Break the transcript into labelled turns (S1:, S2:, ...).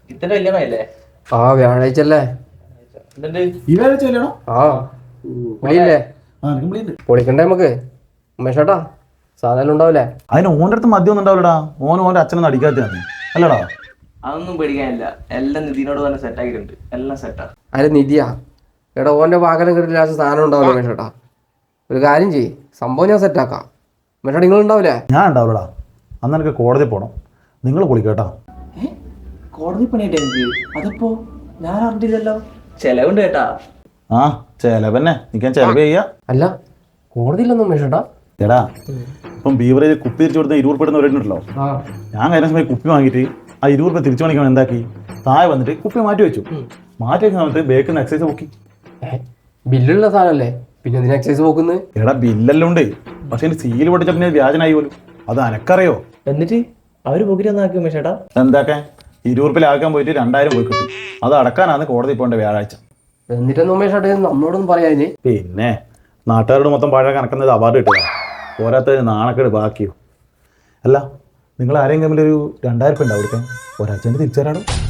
S1: ഇത്തന്റെ കല്യാണമല്ലേ?
S2: ആ വ്യാഴാഴ്ച അല്ലേ?
S3: ഈ വ്യാഴാഴ്ച കല്യാണം?
S2: ആ വിളിയില്ലേ?
S3: വിളിയുണ്ട്.
S2: പൊളിക്കണ്ടേ നമുക്ക്? ഉമേഷേട്ടാ സാധനം ഉണ്ടാവില്ലേ?
S3: അതിന് ഓൻ്റെ അടുത്ത് മദ്യം ഒന്നും ഉണ്ടാവില്ലടാ. ഓൻ്റെ അച്ഛനൊന്നും അടിക്കാത്തതാണ് അല്ലടാ.
S1: അതൊന്നും പേടിക്കാനില്ല, എല്ലാം നിധിനോട് തന്നെ സെറ്റ് ആക്കിയിട്ടുണ്ട്, എല്ലാം സെറ്റാ.
S2: അതിന് നിധിയാ എടാ, ഓൻ്റെ വാഹനം കിട്ടില്ല സാധനം ഉണ്ടാവില്ല ഉമേഷേട്ടാ. ഒരു കാര്യം ചെയ്യ്, സംഭവം ഞാൻ സെറ്റാക്കാം. ഉമേഷേട്ടാ നിങ്ങൾ ഉണ്ടാവില്ലേ?
S3: ഞാൻ ഉണ്ടാവില്ലടാ. അന്ന് എനിക്ക് കോടതി പോകണം. നിങ്ങൾ പൊളിക്കേട്ടാ.
S1: കോടതി പണിയായിട്ട് എനിക്ക് അതപ്പോ ഞാൻ അറിഞ്ഞില്ലല്ലോ. ചെലവുണ്ട് കേട്ടാ.
S3: ആ ചെലവന്നെ നിൽക്കാൻ ചെലവ് ചെയ്യാ.
S2: അല്ല കോടതിയിലൊന്നും ഉമേഷേട്ടാ.
S3: എടാ ഇപ്പം ബീവറേജ് കുപ്പി തിരിച്ചു കൊടുത്ത 20 രൂപ വരുന്നുണ്ടല്ലോ. ഞാൻ കഴിഞ്ഞ സമയം കുപ്പി വാങ്ങിയിട്ട് ആ 20 രൂപ തിരിച്ചു വാങ്ങിക്കാൻ എന്താക്കി, താഴെ വന്നിട്ട് കുപ്പി മാറ്റി വെച്ചു. മാറ്റി വെക്കുന്ന സമയത്ത് ബേക്കിൽ നിന്ന് എക്സൈസ് നോക്കി.
S2: ബില്ലുള്ള സാധനമല്ലേ, പിന്നെ എന്തിനാ എക്സൈസ് നോക്കുന്നത്?
S3: എടാ ബില്ലെല്ലാം ഉണ്ട്, പക്ഷെ എൻ്റെ സീൽ പൊട്ടിച്ച പിന്നെ വ്യാജനായി പോലും. അത് അനക്കറിയോ?
S1: എന്നിട്ട് അവര് പോക്കിട്ട് ഒന്നാക്കി ഉമേഷേട്ടാ.
S3: എന്താക്കാൻ 20 രൂപ ലാക്കാൻ പോയിട്ട് 2000 പോയി കിട്ടി. അത് അടക്കാനാണ് കോടതി പോകേണ്ട വ്യാഴാഴ്ച.
S2: എന്നിട്ടൊന്നും ഉമേഷേട്ടാ നമ്മളോടൊന്നും പറയാതിന്.
S3: പിന്നെ നാട്ടുകാരോട് മൊത്തം പഴയ കണക്കുന്നത് അവാർഡ് കിട്ടുക, പോരാത്ത നാണക്കേട് ബാക്കിയോ. അല്ല നിങ്ങൾ ആരെങ്കിലും ഒരു 2000 രൂപ ഉണ്ടാവും കൊടുക്കാൻ, ഒരാഴ്ച തിരിച്ചു തരാടോ.